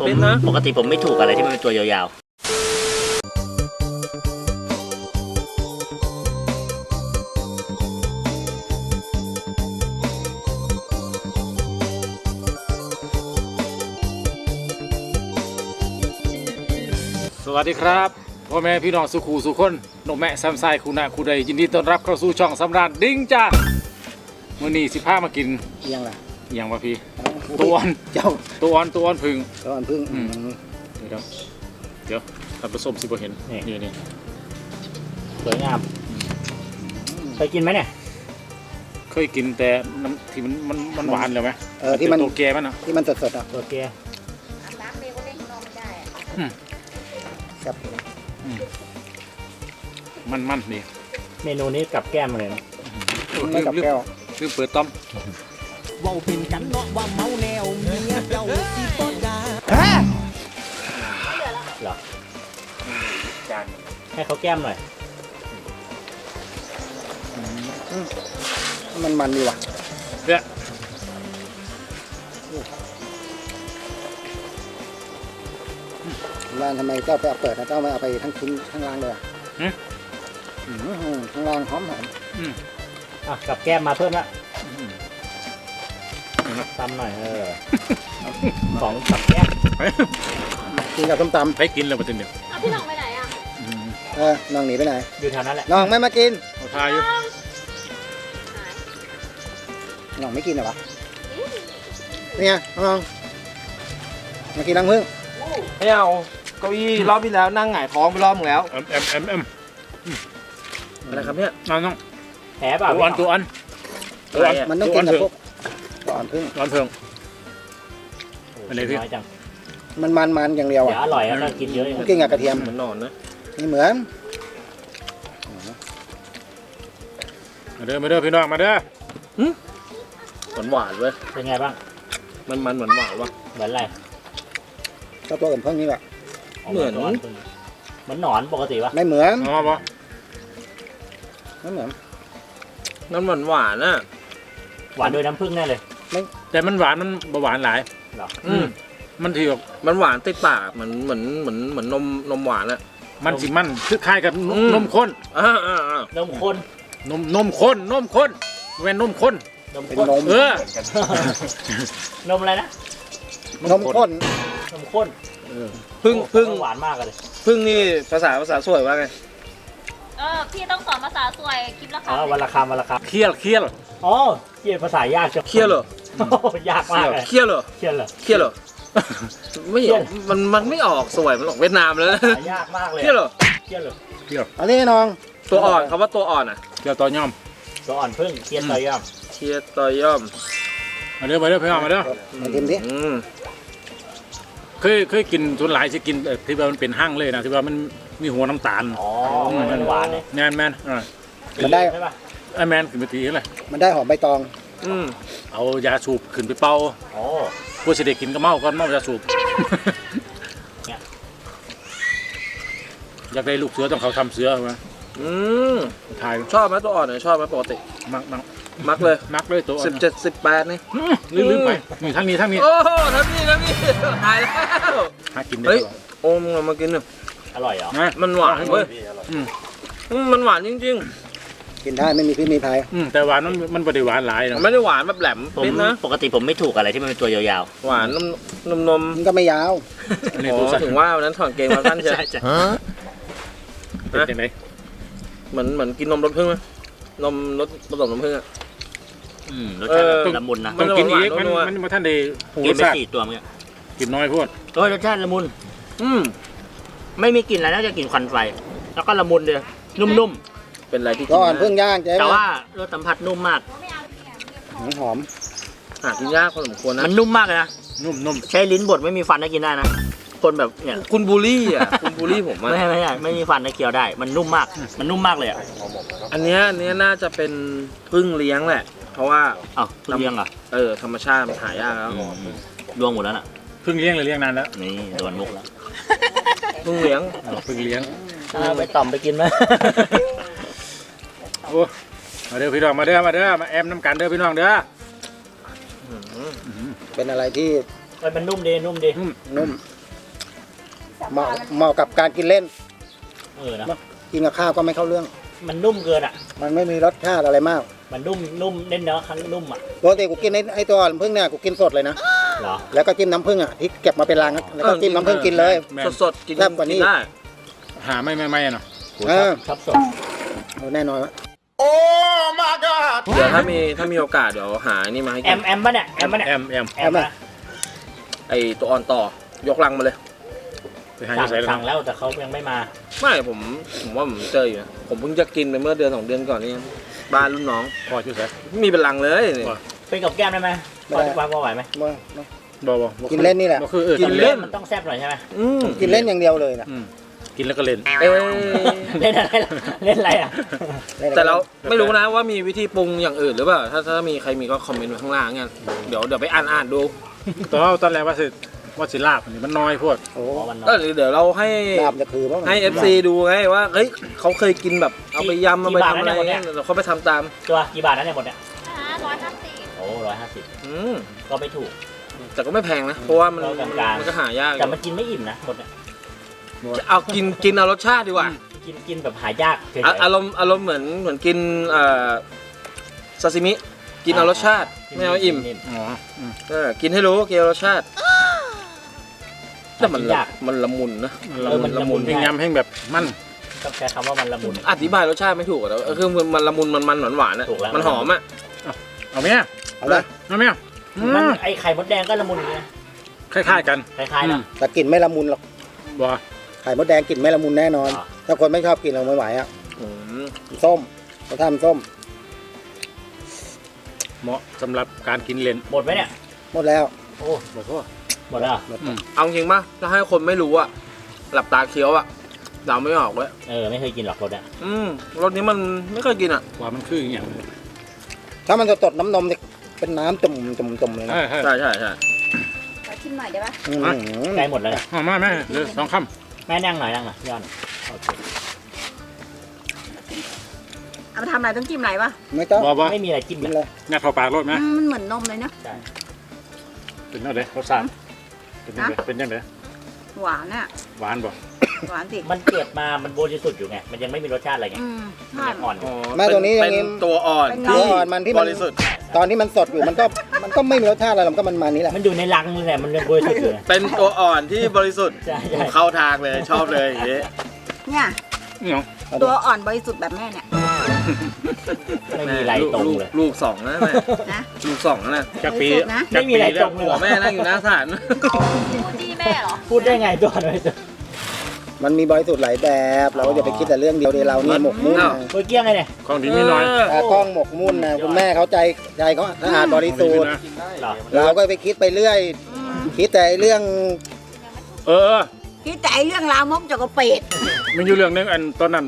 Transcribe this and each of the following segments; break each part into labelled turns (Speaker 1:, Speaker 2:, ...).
Speaker 1: เป็นนะปกติผมไม่ถูกอะไรที่มันเป็นตัวยาว
Speaker 2: สวัสดีครับพ่อแม่พี่น้องสุขูสุคนนกแม่แซมไซคุณะคุณใดยินดีต้อนรับเข้าสู่ช่องสำราญดิ้งจ้ามื้อนี้สิพามากิน
Speaker 3: เอียงล่ะ
Speaker 2: เอียงวะพี่ตัวอ่อน
Speaker 3: เจ้า
Speaker 2: ตัวอ่อนพึ่ง
Speaker 3: ตัวอ่อนพึ่ง
Speaker 2: เดี๋ยวท่านผู้ชมสิบ่เห็นนี่
Speaker 1: สวยงามเคยกินไหมเนี่ย
Speaker 2: เคยกินแต่น้ำที่มันหวานเลยไหม
Speaker 3: ที่มัน
Speaker 2: ตัวแก่มันอ่ะ
Speaker 3: ที่มันสดๆอ่ะ
Speaker 1: ตัวแก่
Speaker 3: ครับ
Speaker 2: มันดี
Speaker 1: เมนูนี้กับแก้มเลยนะ
Speaker 3: ไม่กับแก้ว
Speaker 2: ลืมเปิดต้อม
Speaker 4: ว่าเป็นกันเนาะว่าเมาแนวเมียเจ้าสิบ่ด่า
Speaker 1: หรอให้เขาแก้มหน่อย
Speaker 3: มันดีว่ะ
Speaker 2: เนี่ย
Speaker 3: ร้านทำไมเจ้าไปเอาเปิดนะเจ้าไม่เอาไปทั้งชิ้นทั้งล่างเลยทั้งล่างหอม
Speaker 1: กับแก้มมาเพิ่มละตำหน่อยของกับแก้ม
Speaker 3: กินกับส้มตำ
Speaker 2: ไปกินเลยมาจนเดี๋ยว
Speaker 5: พี่น้องไปไหนอ่ะ
Speaker 3: น้องหนีไปไหน
Speaker 1: อยู่แถวนั้นแหละ
Speaker 3: น้องไม่มากิน
Speaker 2: ทายอยู่
Speaker 3: น้องไม่กินเหรอวะเนี่ยน้องมากินรังพึ่ง
Speaker 4: ไม่เอาเก้าอี้รอบที่แล้วนั่งหงายท้องไปรอบนึงแล้วอะไรครับเนี่ย
Speaker 2: น้อง
Speaker 1: แผลเปล่า
Speaker 2: ตัวอัน
Speaker 3: มันต้องกินกับพวกตัวอ่อนพึ่ง
Speaker 2: อันนี้พี่
Speaker 3: มันอย่างเดียวอ่ะ
Speaker 1: อร่อยแล้วกินเยอะ
Speaker 3: กินกับกระเทียม
Speaker 4: เหมือนนอนนะ
Speaker 3: นี่เหมือน
Speaker 2: มาเด้อพี่น้องมาเด้อ
Speaker 4: หวานเว้ย
Speaker 1: เป็นไงบ้าง
Speaker 4: มันหวานวะ
Speaker 1: เหมือนอะไร
Speaker 3: ก็ตัวอื่นเพิ่งนี่แหละ
Speaker 4: เหมือน
Speaker 1: หนอนปกติปะ
Speaker 3: ไม่เหมือน
Speaker 4: น้ำหวานน่ะ
Speaker 1: หวานโดยน้ำผึ้งแน่เลย
Speaker 2: แต่มันหวานมันหวานหลาย
Speaker 1: หรอ
Speaker 2: มันถือ
Speaker 4: มันหวานติดปากเหมือนนมหวานอะ
Speaker 2: มันสิมันคือคล้ายกับนมข้น
Speaker 1: นมข้น
Speaker 2: นมข้นเว้นนมข้น
Speaker 1: นมอะไรนะ
Speaker 3: นมข้น
Speaker 4: พึ่ง
Speaker 1: หวานมากเลย
Speaker 4: พึ่งนี่ภาษาสวยว่าไง
Speaker 5: พี่ต้องสอนภาษาสวยคลิปละคำ
Speaker 2: วันละคำเคี่ยว
Speaker 1: อ๋อเคี่ยวภาษายากจัง
Speaker 4: เคี่ยวเหร
Speaker 1: อยากมากเลย
Speaker 4: เคี่ยวเหรอไม่มันไม่ออกสวยมันออกเวียดนามเลย
Speaker 1: ยากมากเลย
Speaker 4: เคี่ยวเหรอ
Speaker 3: อันนี้น้อง
Speaker 4: ตัวอ่อนคำว่าตัวอ่อนอ่ะ
Speaker 2: เคี่ยวต่อย่อม
Speaker 1: ตัวอ่อนพึ่งเคี่ยวต่อย่อม
Speaker 2: มาเด้อพี่น้องมาเด้อ
Speaker 3: มากินดิ
Speaker 2: เคยกินส่วนหลายจะกินที่ว่ามันเป็นหั่งเลยนะที่ว่ามันมีหัวน้ำตาล
Speaker 1: มันหวานเลย
Speaker 2: แมน
Speaker 3: มันได้
Speaker 2: แมนขึ้นไปทีอะไร
Speaker 3: มันได้หอมใบตอง
Speaker 2: เอายาสูบขึ้นไปเป่าผู้เสด็จกินก็เมายาสูบอยากได้ลูกเสือต้องเขาทำเสือไหมถ่าย
Speaker 4: ชอบไหมตัวอ่อนเนี่ยชอบไหมปกติมักเลยตัว17-18นี่
Speaker 2: ลืมไปนี่ทั้งนี้
Speaker 4: โอ้ทั้งนี้ตายแล้ว
Speaker 2: หากินได้
Speaker 4: โอ้มึงมากินหนึ่ง
Speaker 1: อร่อยเหรอ
Speaker 4: มันหวานเว้ยมันหวานจริง
Speaker 3: ๆกินได้ไม่มีพิษมีภัย
Speaker 2: แต่หวานมันไม่ได้หวานหลายนะ
Speaker 4: ไม่ได้หวานแบบแหลม
Speaker 1: เป็นนะปกติผมไม่ถูกอะไรที่มันเป็นตัวยาว
Speaker 4: ๆหวานนม
Speaker 3: มันก็ไม่ยาว
Speaker 4: ถึงว่าวันนั้นถอดเกงมาสั้นใช่
Speaker 2: เป็นยังไง
Speaker 4: เหมือนกินนมรสพึ่งไหมนมรสผสมนมพึ่งอ่ะ
Speaker 1: รสชาติละมุนนะ
Speaker 2: ต้องกินอีกมันมาท่านได้
Speaker 1: กินไป4ตัวมั้ง
Speaker 2: กินน้อยพูด
Speaker 1: รสชาติละมุนไม่มีกลิ่นอะไรน่าจะกลิ่นควันไฟแล้วก็ละมุนเลยนุ่ม
Speaker 4: ๆเป็นอะไรที่
Speaker 3: ก็อ่อนเพิ่งย่าง
Speaker 1: แต่ว่ารสสัมผัสนุ่มมาก
Speaker 3: หอม
Speaker 4: หากินยากพอสมควรนะ
Speaker 1: มันนุ่มมากเลยนะ
Speaker 2: นุ่ม
Speaker 1: ใช้ลิ้นบดไม่มีฟันได้กินได้นะคนแบบเนี่ย
Speaker 4: คุณบูลลี่ผม
Speaker 1: ไม่มีฟันได้เคี้ยวได้มันนุ่มมากเลยอ่ะ
Speaker 4: อันนี้น่าจะเป็นพึ่งเลี้ยงแหละเพราะว่า
Speaker 1: พึ่งเลี้ยงอ่ะ
Speaker 4: ธรรมชาติมันหายากแล้ว
Speaker 1: ดวงหมดแล้วน่ะ
Speaker 2: พึ่งเลี้ยงเลยเลี้ยงนานแล้ว
Speaker 1: นี่โดนมุกแล้ว
Speaker 4: พึ่งเลี้ยง
Speaker 1: ไปต่อมไปกินไหม
Speaker 2: โอ้มาเด้อพี่น้องมาแอมน้ำกันเด้อพี่น้องเด้อ
Speaker 3: เป็นอะไรที่
Speaker 1: เอ้ยมันนุ่มดีนุ่มดี
Speaker 3: นุ่มเหมาะกับการกินเล่น
Speaker 1: นะ
Speaker 3: กินกับข้าวก็ไม่เข้าเรื่อง
Speaker 1: มันนุ่มเกินอ่ะ
Speaker 3: มันไม่มีรสชาติอะไรมาก
Speaker 1: มันนุ่มเน้นเนื้อครั้งนุ่มอ่ะ
Speaker 3: ปกติกูกินไอ้ตัวน้ำผึ้งเนี่ยกูกินสดเลยนะ
Speaker 1: เหรอ
Speaker 3: แล้วก็จิ้มน้ำผึ้งอ่ะที่เก็บมาเป็นลังอะแล้วก็จิ้มน้ำผึ้งกินเลย
Speaker 2: แม่น
Speaker 1: สดๆกิน
Speaker 3: แซ่บกว่านี้
Speaker 1: ได้
Speaker 2: หาไม่เนาะ
Speaker 1: ชอบสด
Speaker 3: แน่นอนวะ
Speaker 6: เดี๋ยวถ้ามีโอกาสเดี๋ยวหานี่มาให้
Speaker 1: แอ
Speaker 6: กิน
Speaker 1: มป่ะเนี่ยแอมป่ะเนี่ย
Speaker 2: แอม
Speaker 1: แอมนะ
Speaker 6: ไอตัวอ่อนต่อยกลังมาเลย
Speaker 2: ไปหาอยู่ใส่แล้ว
Speaker 1: สั่งแล้วแต่เขายังไม่มา
Speaker 6: ไม่ผมว่าผมเจออยู่นะผมเพิ่งจะกินไปเมื่อเดือน2 เดือนก่อนนี่บ้านรุ่นน้อง
Speaker 2: พออยู่ใส่
Speaker 6: มีเป็นลังเลยนี่
Speaker 1: เป็นกับแก้มได้ไหมพอจะวางพอไหวไหม
Speaker 2: บ่
Speaker 3: กินเล่นนี่แหละ
Speaker 2: บ่คือ
Speaker 6: กินเล่น
Speaker 1: มันต้องแซ่บหน่อยใช่ไหม
Speaker 3: กินเล่นอย่างเดียวเลยนะ
Speaker 2: กินแล้วก็เล่น
Speaker 6: เอ้ย
Speaker 1: เล่นอะไรล่ะเล่นอะไรอ่ะ
Speaker 6: แต่เราไม่รู้นะว่ามีวิธีปรุงอย่างอื่นหรือเปล่าถ้ามีใครมีก็คอมเมนต์ไว้ข้างล่างกันเดี๋ยวไปอ่านดู
Speaker 2: ตอนแรกว่าสิลาบอันนี้มันน้อยโพด
Speaker 3: โอ้
Speaker 1: มัน
Speaker 6: เดี๋ยวเราให้
Speaker 3: ลาบจะคือบ้าง
Speaker 6: ให้ FC ดูไงว่าเฮ้ยเขาเคยกินแบบเอาไปยำเอาไปทำอะไรเงี้ยเดี๋ยวเขาไปทำตาม
Speaker 1: ตัวกี่บาทนะเนี่ยหมดเนี่ย
Speaker 5: 150
Speaker 1: โอ้150
Speaker 6: อืม
Speaker 1: ก็ไม่ถูก
Speaker 6: แต่ก็ไม่แพงนะเพราะว่ามัน
Speaker 1: เรากลางๆ
Speaker 6: มันก็หายากอยู่
Speaker 1: แต่มันกินไม่อิ่มนะหมดเนี่ย
Speaker 6: เอากินเอารสชาติดีกว่า
Speaker 1: กินแบบหายากเฉยๆ
Speaker 6: อารมณ์เหมือนกินซาซิมิกินเอารสชาติไม่เอาอิ่ม
Speaker 2: อ๋อ
Speaker 6: กินให้รู้กินเอารสชาติแต่มันละมุนนะ
Speaker 2: มันละมุนแห้งยำแห้งแบบมัน
Speaker 1: ต้องใช้คำว่ามันละมุน
Speaker 6: อธิบายรสชาติไม่ถูกอะแต่คือมันละมุนมันหวานๆอะ
Speaker 1: ถูกแล้ว
Speaker 6: มันหอมอะ
Speaker 2: เอาไหมอ่ะ
Speaker 3: เอาเลย
Speaker 2: เอาไหมอ่ะ
Speaker 1: มันไอไข่มดแดงก็ละมุนอย่างนี้นะ
Speaker 2: คล้ายๆกัน
Speaker 1: คล้ายๆนะ
Speaker 3: แต่กลิ่นไม่ละมุนหรอก
Speaker 2: บ่
Speaker 3: ไข่มดแดงกลิ่นไม่ละมุนแน่นอน
Speaker 1: อ่า
Speaker 3: ถ้าคนไม่ชอบกินเราไม่ไหวอ่ะ
Speaker 6: อืม
Speaker 3: ส้มเราทำส้ม
Speaker 2: เหมาะสำหรับการกินเล่น
Speaker 1: หมดไหมเนี่ย
Speaker 3: หมดแล้ว
Speaker 1: โอ้
Speaker 2: บ่พอ
Speaker 1: หมดแล้วเหรอ
Speaker 6: เอาจริงป่ะถ้าให้คนไม่รู้อะหลับตาเคี้ยวอะเดาไม่ออกเว้ย
Speaker 1: ไม่เคยกินหรอกรสเนี่ย
Speaker 6: รสนี้มันไม่เคยกินอะ
Speaker 2: ว่ามันคืออย่าง
Speaker 3: ถ้ามันสดๆน้ำนมเนี่ยเป็นน้ำจุ่มๆเลยนะ
Speaker 2: ใช่
Speaker 6: ใช่ใช่ใช่
Speaker 5: ขอชิมหน่อยได้ปะ
Speaker 3: อืม
Speaker 1: ใกล้หมดแล้วเนี่ย
Speaker 2: มาแม่เหลือ2 คำ
Speaker 1: แม่นั่งหน่อยย้อนโอเค
Speaker 5: เอามาทำอะไรต้องจิ้มอะไรปะ
Speaker 3: ไม่ต้อง
Speaker 2: บ่
Speaker 1: ไม่มีอะไรจิ้ม
Speaker 3: กิน
Speaker 1: เลย
Speaker 3: เลย
Speaker 2: งัดเข้าปากรถไหม
Speaker 5: มันเหมือนนมเลยเนาะ
Speaker 1: ใช่
Speaker 2: เป็นจังได๋รสชาติเป็นจังได๋
Speaker 5: หวานอ่ะ
Speaker 2: หวานบ่
Speaker 5: หวานสิ
Speaker 1: มันเกิดมามันบริสุทธิ์อยู่ไงมันยังไม่มีรสชาติอะไรไง
Speaker 5: ใช่
Speaker 1: มันยังอ่อนอยู่
Speaker 3: แม่ตัวนี้อย่าง
Speaker 6: เป็
Speaker 3: นี้
Speaker 6: นตัวอ่อน
Speaker 3: ตัวอ่อนมันที่มัน
Speaker 6: บริสุทธิ์
Speaker 3: ตอนที่มันสดอยู่มันก็ไม่มีรสชาติอะไรหรอกมันก็มันนี้แหละ
Speaker 1: มันอยู่ในรังนี่แหละมันยังบริสุทธิ์อยู่ไง
Speaker 6: เป็นตัวอ่อนที่บริสุทธิ์
Speaker 1: ใช่ใช่
Speaker 6: ผมเข้าทางเลยชอบเลยอย่างงี้
Speaker 5: เนี่ย
Speaker 2: นี่เนาะ
Speaker 5: ตัวอ่อนบริสุทธิ์แบบแม่เนี่ย
Speaker 1: ไม่มีอะไรตรงเลย
Speaker 6: ลูกสองนะแม่
Speaker 5: นะ
Speaker 6: ลูกสองนะ
Speaker 2: จักปี
Speaker 5: บริสุทธิ์นะ
Speaker 1: ไม่มีอะไรตรงเลย
Speaker 6: หัวแม่นั่งอยู่หน้าศาล
Speaker 5: พูดดีแม่เหรอ
Speaker 1: พูดได้ไงตัวหน่อยตัว
Speaker 3: มันมีบริสุทธิ์หลายแบบเราก็อย่าไปคิดแต่เรื่องเดียวเดียวเรานี่หมกมุ่นนะ
Speaker 1: เมื่อกี้ไงเนี่ย
Speaker 2: ของดีมีน้อย
Speaker 3: ตากล้องหมกมุ่นนะคุณแม่เขาใจเขาสะอาดบริสุทธิ์
Speaker 1: เหรอ
Speaker 3: เราก็ไปคิดไปเรื่อย คิดแต่เรื่อง
Speaker 2: เออ
Speaker 5: คิดแต่ไอ้เรื่องราวมกจกกระเป็ด
Speaker 2: มีอยู่เรื่องนึงอันตอนนั้น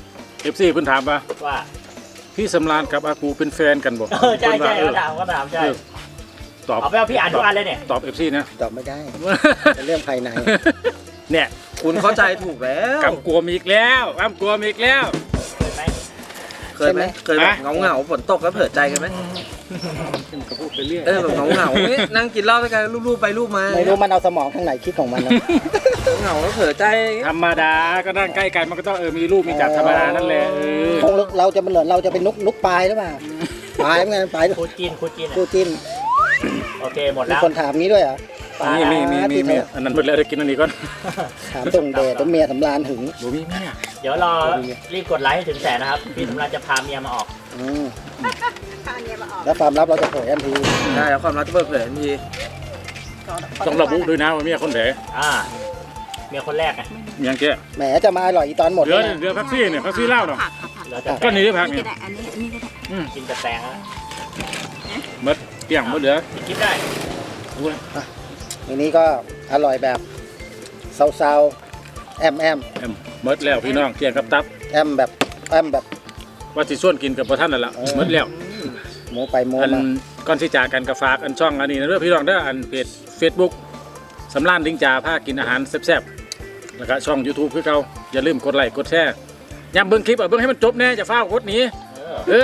Speaker 2: FC เพิ่นถามว่า
Speaker 1: ว่า
Speaker 2: พี่สำราญกับอากูเป็นแฟนกันบ่
Speaker 1: ใช่ใช่
Speaker 2: เพิ่น
Speaker 1: เขา
Speaker 2: ว่า
Speaker 1: ถามใช่
Speaker 2: ตอบ
Speaker 1: เอาไปเอาพี่อ่านทุกอันเลยเนี่ย
Speaker 2: ตอบ FC นะ
Speaker 3: ตอบไม่ได้เป็นเรื่องภายใน
Speaker 2: เนี่ย
Speaker 6: คุณเข้าใจถูกแล้ว
Speaker 2: กำกวมอีกแล้วกำกวมอีกแล้ว
Speaker 1: เคยไหม
Speaker 6: เคยไหมแบบเงาฝนตกแล้วเผลอใจกันไหม
Speaker 2: ก็พูดไปเรื่อย
Speaker 6: แบบเงานั่งกินเหล้าด้วยกันรูปไปรูปมา
Speaker 3: ไม่รู้มันเอาสมองข้างไหนคิดของมันนะ
Speaker 6: เหงาแล้วเผลอใจ
Speaker 2: ธรรมดาก็นั่งใกล้กันมันก็ต้องมีรูปมีจัดธรรมดานั่นแหละ
Speaker 3: คงเราจะเป็นเหมือนเราจะเป็นนุกปลายหรือเปล่าปลายเหมือนกันปลาย
Speaker 1: คูจีน
Speaker 3: คู่จิ้น
Speaker 1: โอเคหมด
Speaker 3: มี
Speaker 1: แล้ว
Speaker 3: คนถามนี้ด้วยเหรอ
Speaker 2: มีอันนั้นหมดแล้วได้กินอันนี้ก่อน
Speaker 3: ถามตรงเดชตัวเมียสำราญหึง
Speaker 2: บ่มีแม่
Speaker 1: เดี๋ยวรอรีบกดไลค์ให้ถึงแสนนะครับพี่สำราญจะพาเมียมาออก
Speaker 5: ทานเนี่ยมาออก
Speaker 3: แล้วความลับเราจะเผยทันที
Speaker 6: ใช่แล้วความรักจะเปิดเผยทันที
Speaker 2: ต้องระบุด้วยนะว่าเมียคนไหน
Speaker 1: เมียคนแรกไง
Speaker 2: เมียแก
Speaker 3: แหมจะมาอร่อยอีตอนหมด
Speaker 2: เหลื
Speaker 3: เล
Speaker 2: อย เหลือพักซี่เนี่ยพักซี่เหล้าเนาะ
Speaker 5: ผัก
Speaker 1: เราจะ
Speaker 2: ก็นี่พัก
Speaker 5: นี่
Speaker 2: นี่
Speaker 5: ก็ได้อันนี้ก็ได้
Speaker 1: กินจะแตงแล้ว
Speaker 2: หมดเกี่ยงหมดเหลือ
Speaker 1: กินได้
Speaker 3: อันนี้ก็อร่อยแบบเซาๆแอม
Speaker 2: หมดแล้วพี่น้องเกี่ยงกับตับ
Speaker 3: แบบ
Speaker 2: ว่าสิส่วนกินกับพระท่านนั่นแหละหมดแล้ว
Speaker 3: หมูไปหมู
Speaker 2: อัน
Speaker 3: มา
Speaker 2: ก่อนที่จากกันกับฝากอันช่องอันนี้นะเด้อพี่น้องเด้ออันเพจ Facebook สำรานลิงจ่าพากินอาหารแซ่บๆแล้วก็ช่อง YouTube คือเก่าอย่าลืมกดไลค์กดแชร์ย้ำเบิ่งคลิปเบิ่งให้มันจบแน่จะฟ้าวกดหนี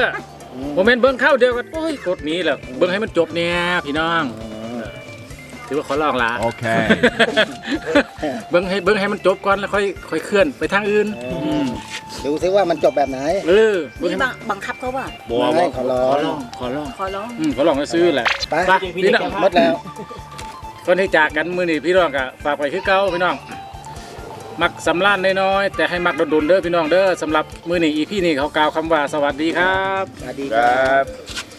Speaker 2: โมเมนต์เบิ่งเข้าเดียวกันโอ้ยกดหนีแล้วเบิ่งให้มันจบแน่พี่น้องถือว่าขอลองละ
Speaker 7: Okay.
Speaker 2: เบิ้งให้มันจบก่อนแล้วค่อยเคลื่อนไปทางอื่น
Speaker 3: ดูซิว่ามันจบแบบไหน
Speaker 2: เออเบิ้ง
Speaker 8: นี่
Speaker 2: ให้
Speaker 8: บังคับเขาป่ะ
Speaker 2: บัว
Speaker 3: ไม่ขอร้อง
Speaker 2: ขอลอง
Speaker 8: ขอร้อง
Speaker 2: ขอลองให้ซื้อแหละ
Speaker 3: ไป
Speaker 2: ไปพี่น้อง
Speaker 3: หมดแล้ว
Speaker 2: ก่อนที่จากกันมื้อนี้พี่น้องก็ฝากไปคือเก่าพี่น้องมักสำล้านน้อยๆแต่ให้มักโดนๆเด้อพี่น้องเด้อสำหรับมื้อนี้ EP นี้เขากล่าวคำว่าสวัสดีครับ
Speaker 3: สวัสดีครับ
Speaker 7: Right.